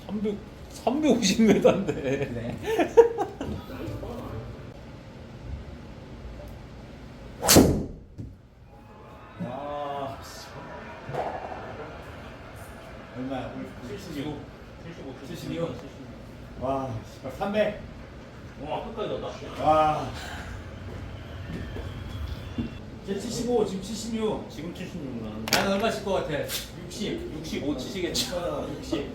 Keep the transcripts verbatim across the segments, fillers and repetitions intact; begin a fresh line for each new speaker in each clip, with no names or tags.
삼백 삼백오십 미터인데.
그래. 와. 얼마야?
칠십오. 칠십오.
칠십이요? 와, 씨발 삼백.
와, 끝까지 넣었다.
와. 이제 칠십오, 지금 칠십육.
지금 칠십육 만.
나는 얼마 칠 것 같아? 육십.
육십오 치시겠죠.
어, 육십.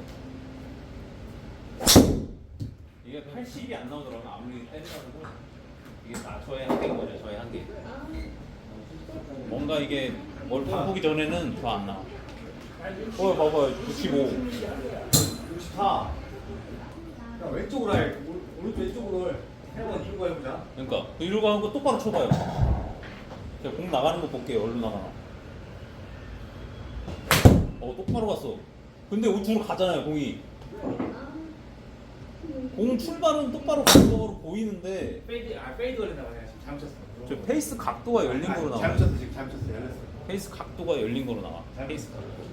이게 팔십이 안 나오더라고요. 아무리 때려가지고 이게 다 저의 한계인 거죠. 저의 한계. 뭔가 이게 뭘 바꾸기 전에는 더 안 나와. 어, 봐봐, 육십오.
육십사. 야, 왼쪽으로 해. 오른쪽 왼쪽으로 해. 한번 이루고 해보자.
그러니까 이러고 하는 거 똑바로 쳐봐요. 제가 공 나가는 거 볼게요. 얼른 나가나. 어, 똑바로 갔어. 근데 우측으로 가잖아요, 공이. 공 출발은 똑바로 가는 거로 보이는데
페이드, 아 페이드 걸린다 그냥 지금 잘못 쳤어.
저 페이스 각도가 열린 거로 나와.
잘못 쳤어 지금 잘못 쳤어 열렸어.
페이스 각도가 열린 거로 나와.
잘못
페이스
쳤어.
각도.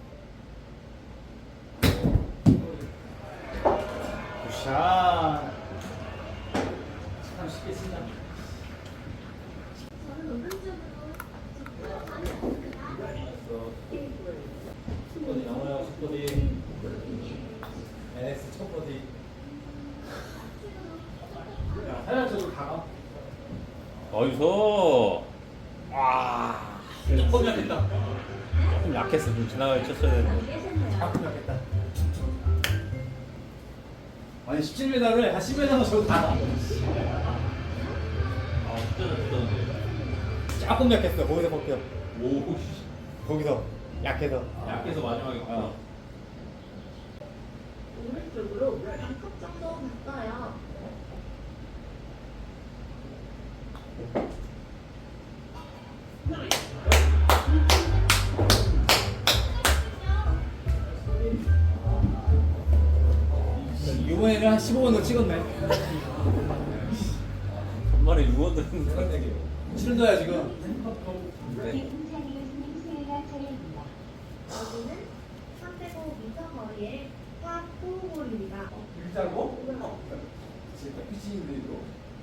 굿샷. 참 쉽게 친다. 십 번이 나와요. 십 번이. 에스 첫 번이. 야, 하얀색으로 다 가.
어디서? 와.
조금 약했다.
조금 약했어. 좀 지나가게 쳤어야 되는데.
조금 약했다. 아니 십칠 미터를 한 십 미터만 저도 다 가.
아, 진짜 잘쳤는데.
조금 약했어. 거기서 벗겨.
오,
거기서 약해서.
약해서 마지막에.
어.
오른쪽으로 한 컵 정도 바꿔요.
이번에는 한 십오 번 더 찍었네.
전반에 육 원 드는
칠 도야 지금.
여기는 삼백오 미터 거리의 파구 홀입니다.
일자고? 진짜 피치인데 이거.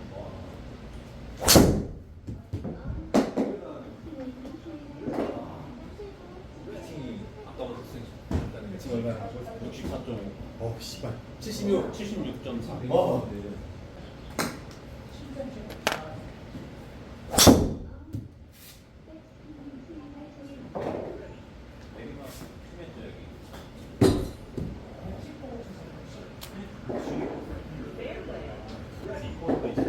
피칭이 아까보다 센.
지금 얼마야?
육십사 점 오.
어 씨발. 칠십육.
칠십육 점 사.
어.
내리막 심했죠 여기. 이코도 있어.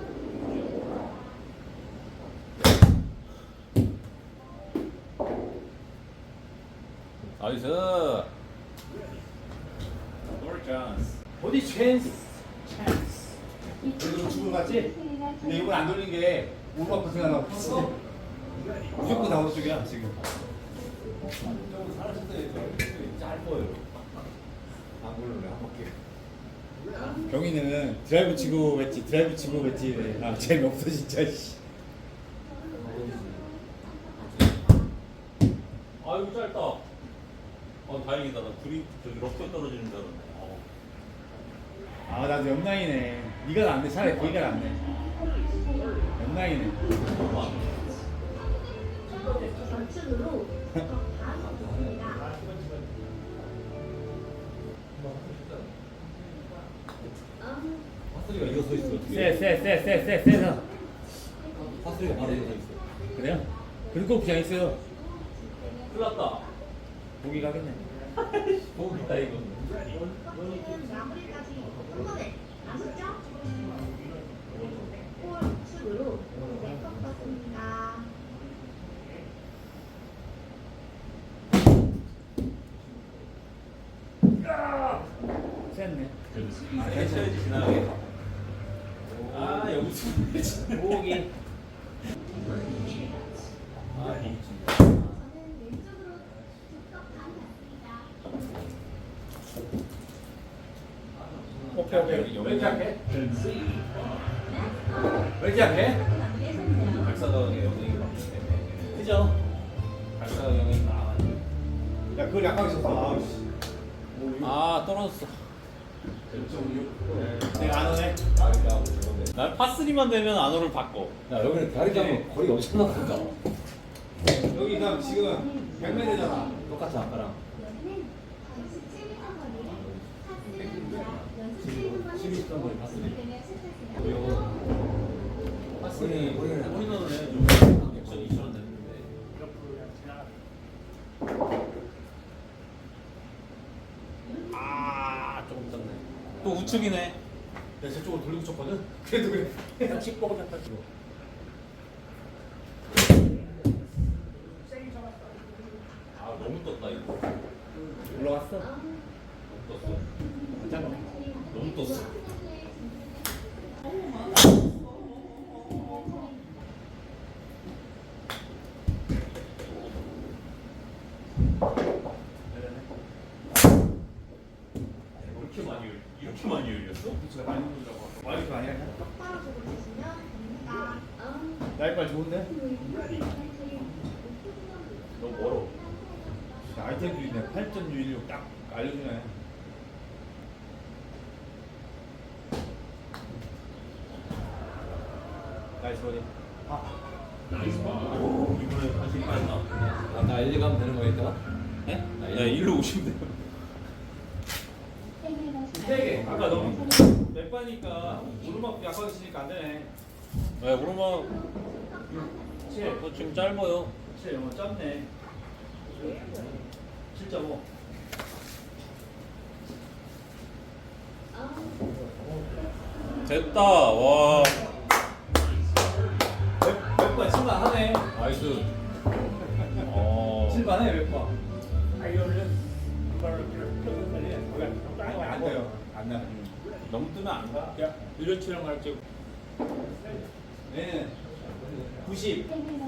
나이스. 볼 찬스.
어디 찬스? 찬스. 그래도 죽은 거 같지? 근데 이건 안 돌린 게 오르막 고생하나 봤어. 무조건 다 어느 쪽이야 지금.
좀 살았을 때 짧아요. 안 걸려요 한 바퀴.
경희는 드라이브 치고 웨지 드라이브 치고 웨지 아 재미없어 진짜 씨.
아이고 짧다. 어 다행이다. 나 그립 저기 럭커 떨어지는 줄 알았네. 어.
아 나도 옆라인에 네가 낫네. 차라리 거기가 낫네. 옆라인에.
좌측으로 반 바꿉니다.
화소리가 이거 서 있어.
쎄쎄쎄쎄쎄 쎄서.
화소리가 바로 이거 서 있어.
그래요? 그리고 그냥 있어요.
큰일 났다.
보기 가겠네.
보고 있다 이거.
커피는 마무리까지 한 번에 아시죠? 홀 우측으로 네컵 받습니다.
쎘네.
아, 해쳐야지 지나가게. 아 여기서
보기.
아 미친.
저는 왼쪽으로 두컵 반 받습니다.
오케이 오케이. 왜 이렇게 약해? 왜 이렇게 약해?
발사각의 영역이 많기 때문에.
그죠?
발사각 영역이 나가지고.
야 그걸 약하게 쳤어. 아우 씨.
아 떨어졌어.
내가 안 오네.
난 파스리만 되면 안호를 바꿔.
야 여기는 다리 잡으면 거리가 엄청나 보다.
여기 그럼 지금 백 미터잖아.
똑같아 아까랑.
여기는 이십칠 미터 거리를 파스리입니다. 연습
십이 점 거리 파스리.
되면 시작하세요.
파스리 우리는
우리는 좀 액션 이천 됐는데. 아 조금 떴네. 또 우측이네.
내가 저쪽으로 돌리고 쳤거든. 그래도 그래.
그냥 칩복을 갖다 줘.
아 너무 떴다 이거.
올라갔어.
너무 떴어.
괜찮아.
너무 떴어. 이렇게 많이 열- 이렇게 많이 열렸어?
제가 많이 놀라고. 아 이렇게 많이 하냐?
똑바로 보고 주시면 됩니다.
날빨 좋은데?
너무 멀어.
아이템도 있네. 팔 점 육일육 딱 알려주네. 나이스 버디. 아,
나이스 봐. 이번에 다시 빠졌다.
아까 일, 이 가면 되는 거니까.
네? 야 일로 오시면 돼요.
세 개. 아까 너무 맥바니까 오르막 약하게 치니까 안 되네.
네 오르막
칠.
너 지금 짧아요.
칠. 어, 짧네. 칠 점 오.
됐다. 와.
맥바 칠만하네.
나이스. 어.
칠만해 맥바. 안 돼요. 안 나.
너무 뜨면 안 가.
일년 칠랑 할지.
얘는 구십.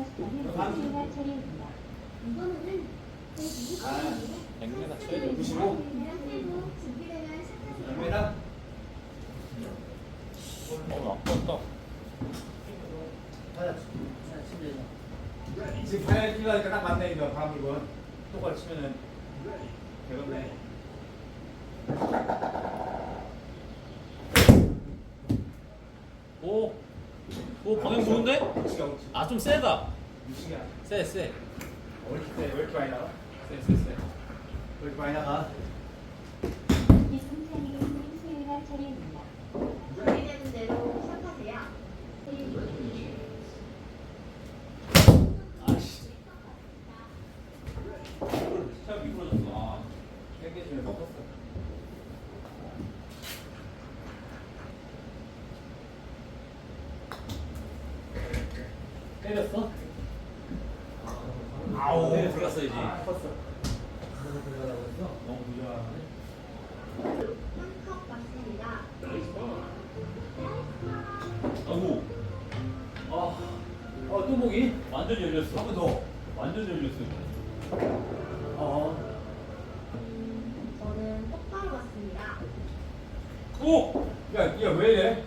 이번에는
아,
백 미터 쳐야죠.
구십오.
준비되면 시작하세요.
갑니다.
어 아깝다.
지금 파열 끼가니까 딱 맞네 이거 다 물건. 똑바로 치면은 되겠네.
오. 오 방향 좋은데?
우치가 우치.
아 좀 세다.
우치가.
세 세.
왜 이렇게 세? 왜 이렇게 많이 나가?
세 세 세.
왜 이렇게 많이 나가?
준비되는 대로 시작하세요.
아씨. 차 미끄러졌어. 아.
땡겨주면 먹었어. 때렸어?
아우 들어갔어야지.
컸어. 너무 부정하네.
한컵 맞습니다.
아이고.
어, 어, 또 보기?
완전 열렸어.
한 번 더.
완전 열렸어.
어.
저는 똑바로 맞습니다.
오.
야, 야, 왜 이래?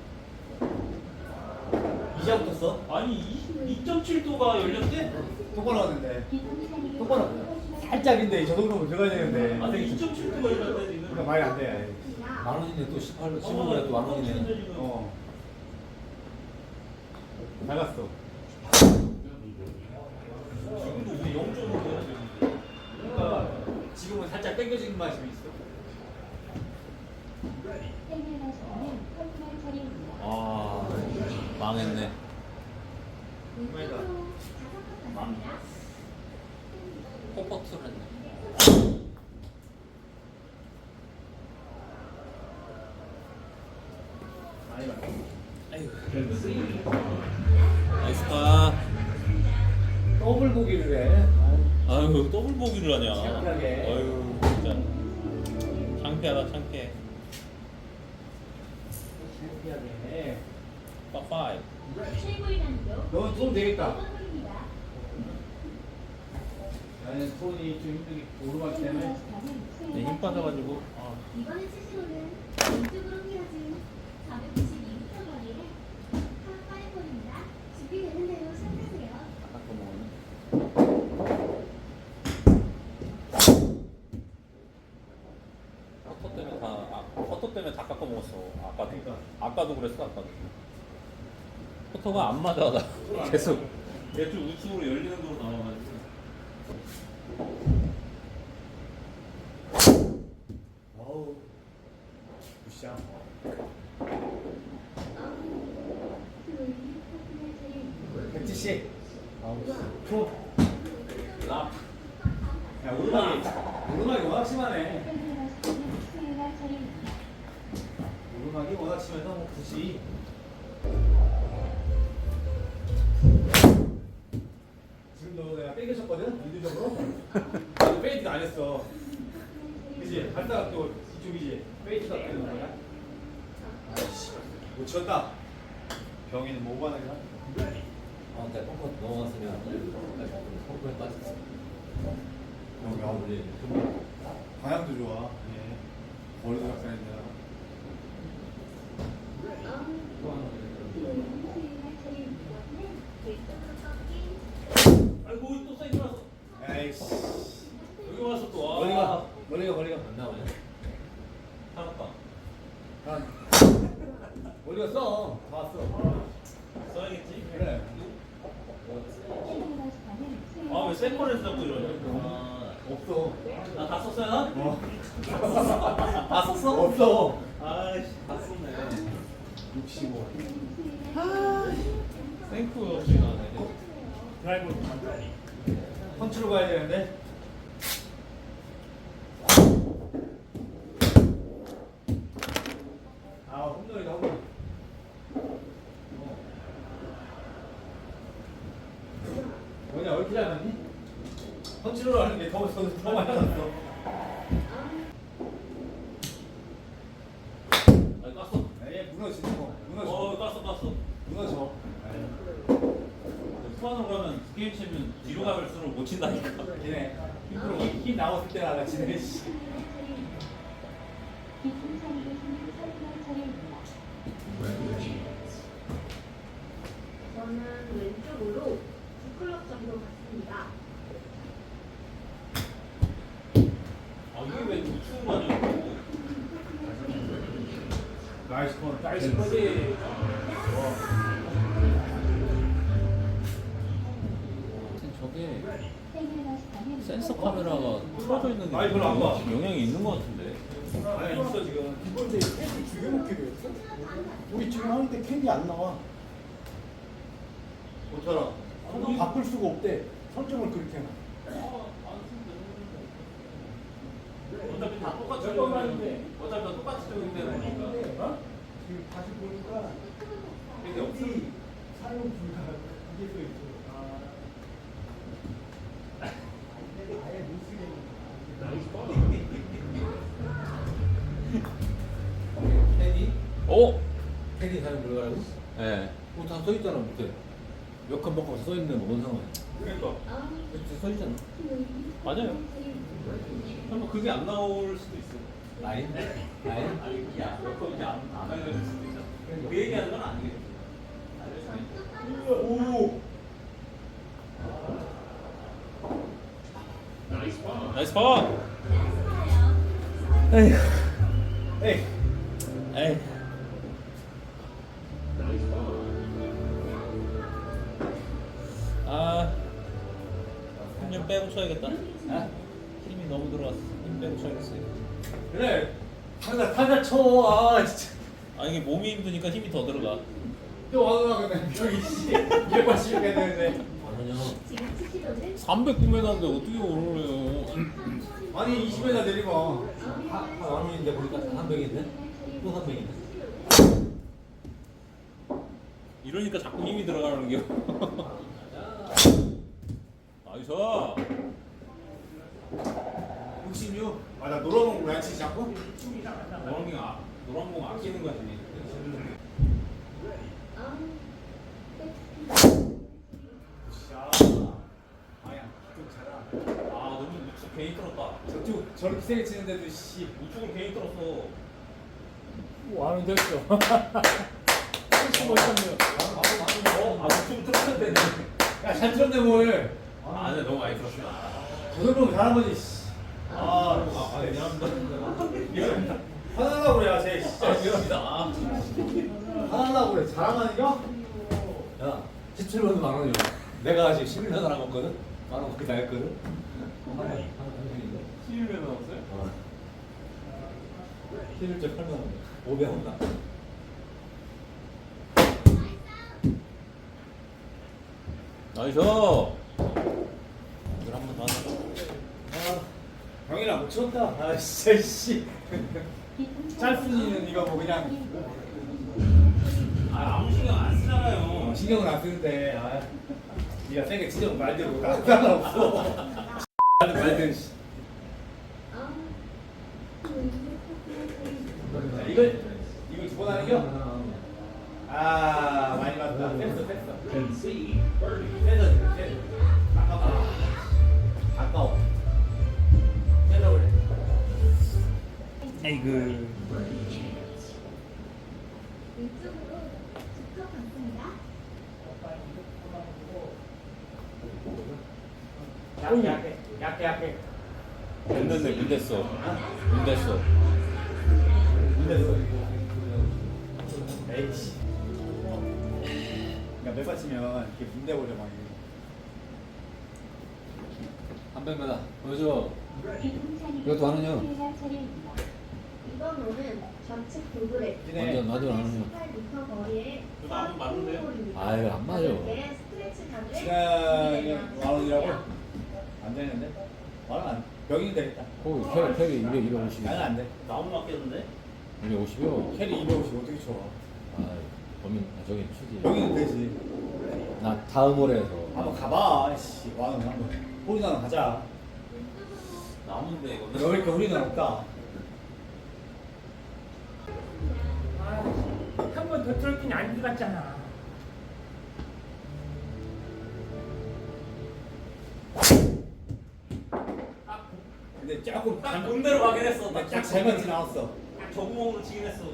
이제 붙었어?
아니 이 점 칠 도가 열렸대?
똑바로 왔는데. 똑바로. 살짝인데 저 정도면 들어가야 되는데.
아니 이 점 칠 도가 열렸대 지금.
그러니까 말이 안 돼.
만 원인데 또 십팔로 십오에 또만 원이네.
어. 잘 갔어.
지금도 우리 영 점 오야 지금.
그러니까 지금은 살짝 땡겨지는 맛이 있어.
아 망했네.
왼쪽으로 다섯 컵 맞습니다.
포퍼트를 했네.
많이 갔어.
아이고. 나이스다.
더블 보기를 해.
아유 더블 보기를 하냐.
창피하게.
아유 진짜. 창피하다 창피해.
창피하게 해.
빠빠이.
최고의 난이도
너는 돈 되겠다.
일 번입니다.
나는 손이 좀 힘들게 오르막 때문에.
내 힘 빠져가지고. 아.
이번에 치시로는 왼쪽으로 휘어진 사백구십이 미터 거리에 파파이볼입니다. 준비되는 대로 시작하세요.
아까 거 먹었네. 퍼터 때문에 다 깎아 먹었어. 아까도.
그러니까.
아까도 그랬어. 아까도. 퍼터가 안 맞아. 나 계속. 얘좀 우측으로 열리는 거로 나와가지고.
어우. 굿샷. 백지씨. 프로.
랍.
야, 오르막이, 오르막이 워낙 심하네. 오르막이 워낙 심해서 뭐 굳이. 지금도 내가 빼겨쳤거든? 인도적으로. 나도 페이트가 안 했어. 그치? 갔다가 또 이쪽이지. 페이트가 되는 거야. 아이씨. 못 쳤다. 병이는 뭐 하는 거야?
아, 내가 펑커 넘어갔으면 펑커에 빠졌어.
여기
아,
아무리.
우리
방향도 좋아. 예. 머리도 작살낸다.
아이고 또 사이드 났어.
에이씨.
여기 와서 또 와.
머리가, 머리가, 머리가.
안 나오냐?
살았다.
아. 머리가 써. 다 왔어.
써야겠지.
그래.
아 왜 세컨에서 자꾸 이러냐? 아,
없어.
나 다 썼어요 나?
어.
다 썼어?
없어.
아이씨 다 썼네.
육십오.
생크 없이 나네.
드라이브. 펀치로 가야 되는데. 아, 홈런이다, 홈런. 어. 뭐냐, 왜 이렇게 잘 맞니? 펀치로 하는 게 더, 더, 더 많이 났어.
아 깠어.
에이, 무너지는 거. 무너져.
어 깠어 깠어.
무너져.
후반으로 가면 두 게임 치면 뒤로 갈수록 못 친다니까.
얘네 힘으로 힘 나왔을 때나 나 지네. 씨.
저는 왼쪽으로 두 클럽 정도 갔습니다.
아 이게 왜 우측으로 가냐고.
나이스 콘.
나이스 버디. 저게 센서 카메라가 틀어져 있는 게
아니, 별로 안 봐.
영향이 있는 것 같은데.
아니 있어 지금.
이번에 캔디 죽여놓기로 했어? 우리 지금 하는데 캔디 안 나와.
못하라.
아, 바꿀 수가 없대. 설정을 그렇게 해놔.
어차피 다 똑같이
몇 번만 했는데.
어차피 다 똑같이 적용되는 거니까.
어? 지금 다시 보니까
이게 없어.
캔디 사용 불가 이게 또 있어. 아. 아예 못 쓰겠네.
테디?
오.
테디 사용 불가라고?
예.
뭐다 써있잖아 밑에. 몇칸 먹고 써있는데 뭔 상관이야?
그러니까.
밑에 써있잖아.
맞아요. 설마 그게 안 나올 수도 있어.
라인? 라인?
아니, 야, 몇번 이제 안, 안 알려줄 수도 있잖아. 그 얘기하는 건 아니겠지. 알려주네.
오.
나이스 파!
에이.
에이. 아, 힘 좀 빼고 쳐야겠다.
아?
힘이 너무 들어왔어. 힘 빼고 쳐야겠어요.
그래. 타자 타자 쳐. 아 진짜.
아, 이게 몸이 힘드니까 힘이 더 들어가.
또 와서 그냥 저기 씨. 이백팔십 해야 되는데.
아니요.
지금 치시로는
삼백구 미터인데 어떻게 오르래요?
아니 이십 회나 내리마.
한 원인데 보니까 삼백인데? 또 삼백인데?
이러니까 자꾸 힘이 들어가는 게. 나이스.
육십육. 아나 노란 공 왜 안 치지 자꾸?
노란 공 아, 노란 공 아끼는 거지.
자. 아야. 좀 잘하.
아, 너무 우측 괜히 들었다.
저쪽 저렇게 세게 치는데도 씨.
우측으로 괜히 들었어.
와는 됐어. 멋있었네요.
어, 아, 우측으로 들었는데.
야잘 들었네 뭘.
아, 네, 너무 많이 들었어.
저 정도면 잘한 거지. 씨.
아, 아, 아, 미안합니다.
화나려고 그래 쟤. 잘하면 이겨?
야, 십칠 번은 만 원이야. 내가 지금 십일 년 알아먹거든? 만 원밖에 다 했거든? 하나, 하나, 한생인데?
십일 년 남았어요?
어. 십일째 팔만 원. 오백 원 나.
나이스. 이걸 한번 더 하자.
아, 병이랑 못 쳤다. 아, 진짜, 씨. 짤순이는 이거 뭐 그냥.
아, 아무 신경 안 쓰잖아요.
어, 신경은 안 쓰는데, 아. 니가 세게 치려고 말대로 나 상관없어. 나는 말대로, 씨. 자, 이걸, 이걸 두 번 하는 겨? 아, 많이 맞다. 뺐어, 뺐어. 뺐어, 지금, 뺐어. 아까워. 아까워. 뺐어, 그래.
에이그.
왼쪽으로 직접 갔습니다.
약해, 약해. 약해, 약해.
문댔네, 문댔어. 문댔어.
문댔어. 에이씨. 그러니까 몇 받치면 이렇게 문대버려, 막.
삼백 메다 보여줘. 이것도 안 하냐?
이번 홀은 좌측 도그레
완전 완전 안 하냐?
십팔 미터 거리에
그거 안 맞는데요?
홀입니다.
아유, 안 맞아.
가볍게 스트레치 가드에
시간이 만 원이라고? 안 되는데? 만원 안, 병이 되겠다.
오, 캐리, 캐리 이백, 이백오십.
나는 안 돼.
나무 맞겠는데?
이백오십이요?
캐리 이백오십 어떻게 쳐?
아, 범인, 아, 저기 추지.
병이는 되지.
나 다음 홀에서.
한번 가봐. 씨, 만원 한번. 홀이나 가자.
나무인데, 이거.
너 왜 이렇게 홀이나 없다?
한 번 더 들었더니 안 들어갔잖아.
근데 조금
딱 본대로 가긴 했어. 딱
딱잘 맞진 않았어.
저 구멍으로 치긴 했어.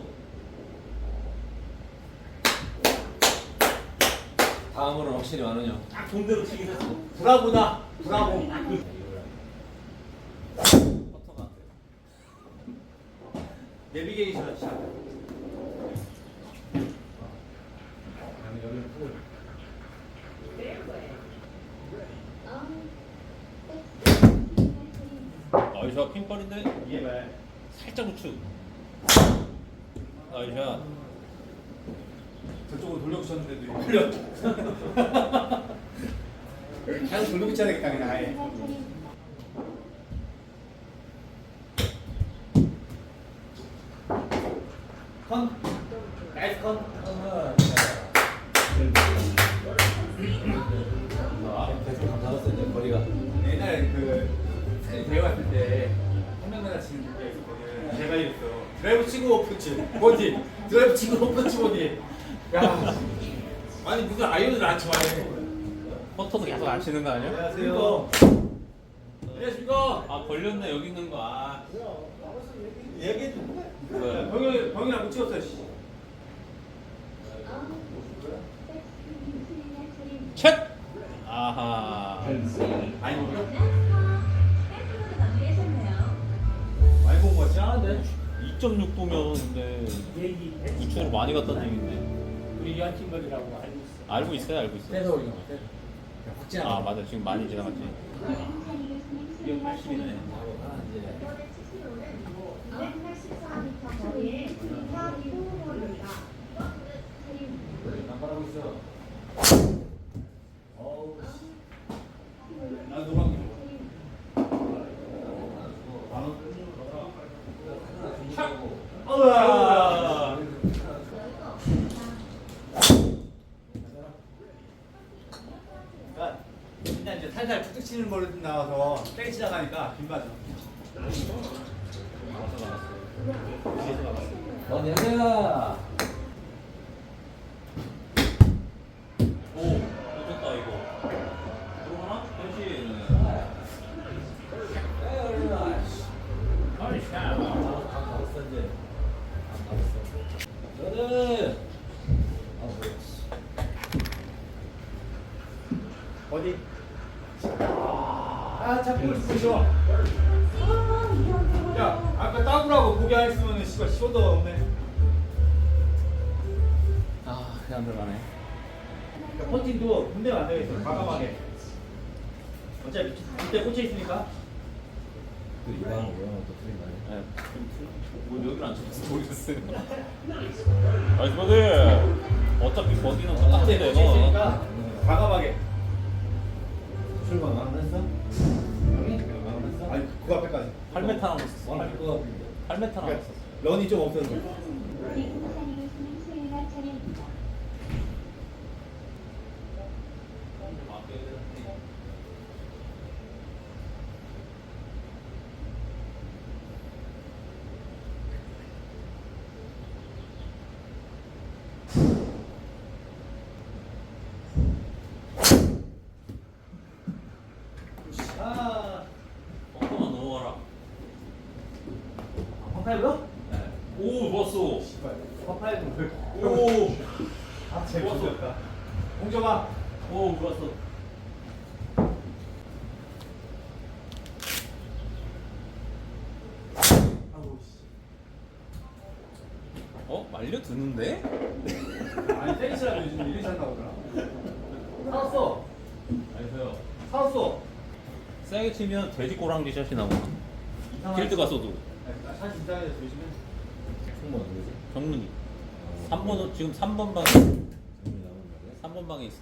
다음 홀은 확실히 만 원이요.
딱 본대로 치긴 했어.
브라보다. 브라보.
퍼터가.
내비게이션 샷.
나이스, 핑벌인데?
이게 왜?
살짝 우측. 나이스.
저쪽으로 돌려붙였는데도 걸려. 계속 돌려붙여야 되겠다 그냥 아예. 컨. 나이스 컨.
아, 대충 감 잡았어, 이제 거리가.
옛날에 그 사진 대회 갔을 때 한명나라 치는 게 있었거든. 제가 이랬어. 드라이브 치고 오프치 보디. 드라이브 치고 오프치 보디. 야. 아니 무슨 아이언을 안 쳐.
퍼터도 계속 안 치는 거 아니야?
안녕하세요. 안녕하십니까.
아, 걸렸네, 여기 있는 거. 아.
얘기해 줘.
뭐야?
병이 병이랑 못 찍었어. 씨.
챗! 아하.
많이 본 거?
마무리하셨네요.
많이 본거 같지 않은데?
이 점 육 도면 근데
얘기
우측으로 많이 갔다는 얘긴데.
우리 연팀벌이라고 알고 있어.
알고 있어요, 알고 있어요.
떼서 올리는 거 같아. 확진
아, 맞아. 지금 많이 지나갔지.
이백팔십이네.
이번에 치실 홀은 이백팔십사 미터 거리에 사 비 홀입니다.
깜빡하고 있어.
어우. 나 노란 게.
우와.
그러니까 일단 이제 살살 툭툭 치는 걸로 나와서 세게 치다 가니까 빗 맞아.
넌 여자야.
오, 좋다 이거. 들어가나? 현실.
어이, 샤.
가봤어, 이제. 가봤어. 여자! 아, 뭐야, 씨.
어디? 아, 자꾸 있어, 좋아. 야, 아까 따구라고 보게 안 했으면 씨발 쉬어도 없네.
아, 야,
안 들어가네.
그러니까 퍼팅도 군대가 안 되겠어. 과감하게. 어차피 밑에 꽂혀 있으니까.
또 이방 오면 또 틀린 거 아니야?
네. 뭐 여기를 안 쳐서 모르겠어요. 나이스 버디. 어차피 버디는
밑에
똑같은데
꽂혀
이거.
있으니까 과감하게.
출발 마감했어? 형이? 마감했어?
아니 그 앞에까지.
팔 미터 남았어.
와할 거 같은데.
팔 미터 남았어.
런이 좀 없어서. 아,
뻥뻥만 넘어가라.
펑파이브요?
네. 오 좋았어.
펑파이브.
오.
아, 재밌었다. 공정아.
오 좋았어.
아우 씨.
어 말려 드는데?
아니 테니스라도 요즘 이리 잘 나오더라. 사왔어.
알겠어요.
사왔어.
세게 치면 돼지 꼬랑지 샷이 나오나? 필드 가서도
사실 이상해서 요즘에.
총무가 누구지?
정문이. 삼 번은 지금 삼 번 방에
정문이 나오는 거야?
삼 번 방에 있어.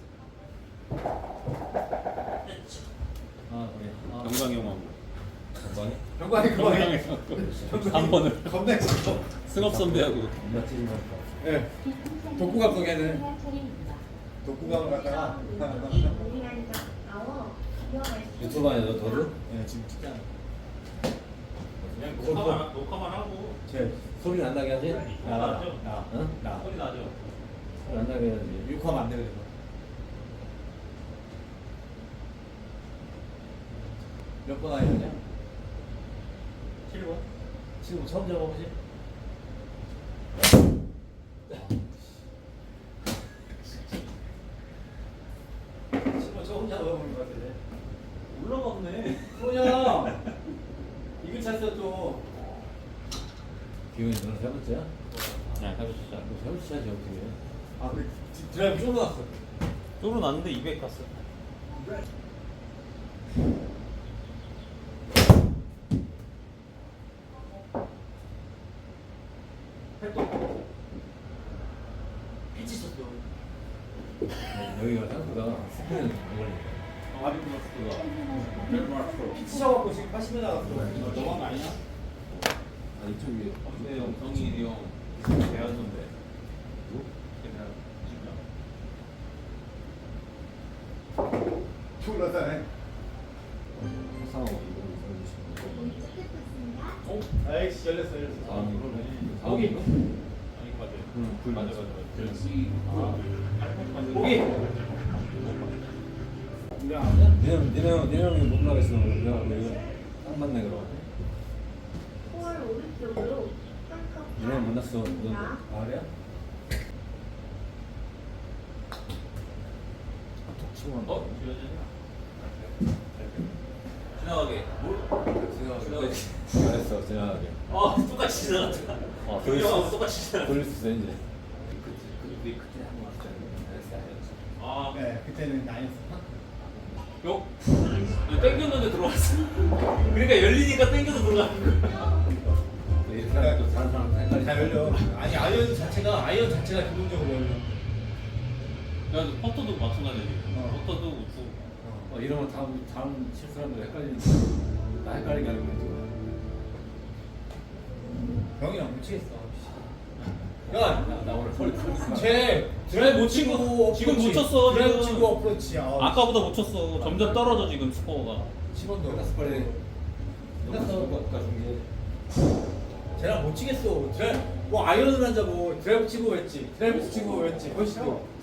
아 그래. 아,
영광이 형하고.
건방이?
병관이 그만해.
삼 번을
겁나 있어.
승업 선배하고.
겁나 찌르면
예. 독구감 속에는 독구감을 갖다가
유튜브 아니야 너 더드?
예, 지금 찍잖아.
그냥 녹화만 녹화만 하고.
제
소리 안 나게 하지?
나, 나, 나,
응?
나.
소리 나죠.
소리 안 나게 해야지.
육하면 안 되거든. 몇 번 하냐?
칠 번.
지금 처음 잡아보지?
친구 저 혼자 넣어보는 것 같아.
올라갔네.
소녀. 이글 찼어 또.
기훈이 너는 세 번째야?
네, 해보시죠.
너 세 번째야지 어떻게 해?
아, 그 디- 드라이브 쫄아놨어.
쫄은 났는데 이백 갔어.
팔도. 피치 쳤어.
여기가 생각보다 스피는 안 걸리네.
아, 피치 쳐갖고 지금 팔십 에 나갔어.
너무한 거 아니야?
아 이쪽이
근데 형, 성인이 형 대한 선배.
누구?
대한 진짜.
졸라다네.
상호 이거 이거
어?
아이씨, 열렸어, 열렸어.
아 이거
거기.
아니 맞아요.
응, 불
맞아
맞아.
맞아 맞아.
거기.
니네 니네 형 니네 형이 못 나겠어. 내가 내가 딱 맞네 그럼.
홀 오른쪽으로
니네 형 만났어. 너
아, 그래요?
톡 치고 간
어?
거.
지나가게. 뭘?
지나가게. 잘했어 지나가게.
아 똑같이 지나갔다.
어,
그 형하고 똑같이 지나갔다.
돌릴 수 있어 이제.
그때 그때 한번 왔잖아요. 아,
네, 그때는 아니었어.
요? 땡겼는데 들어왔어. 그러니까 열리니까 땡겨도 들어가는 거야.
이렇게 하면 또 다른 사람 헷갈리지.
잘 열려. 아니, 아이언 자체가, 아이언 자체가 기본적으로 열려.
야, 퍼터도 마찬가지지.
어.
퍼터도 우측.
어, 이러면 다음 다음 칠 사람들 헷갈리니까 나 헷갈리게 하는 거지.
병이랑 못 치겠어. 야,
나, 나 오늘 허리 털
쟤 드라이브 못 치고
지금
어프로치.
못 쳤어,
드라이브
지금.
치고 어프로치야. 아,
아까보다 못 쳤어. 점점 떨어져 지금 스코어가.
십 원도.
끝났어 빨리. 끝났어. 아까 중계.
쟤랑 못 치겠어. 드라이브 뭐 아이언을 한자고 드라이브 치고 했지. 드라이브 치고 했지. 훨씬 더.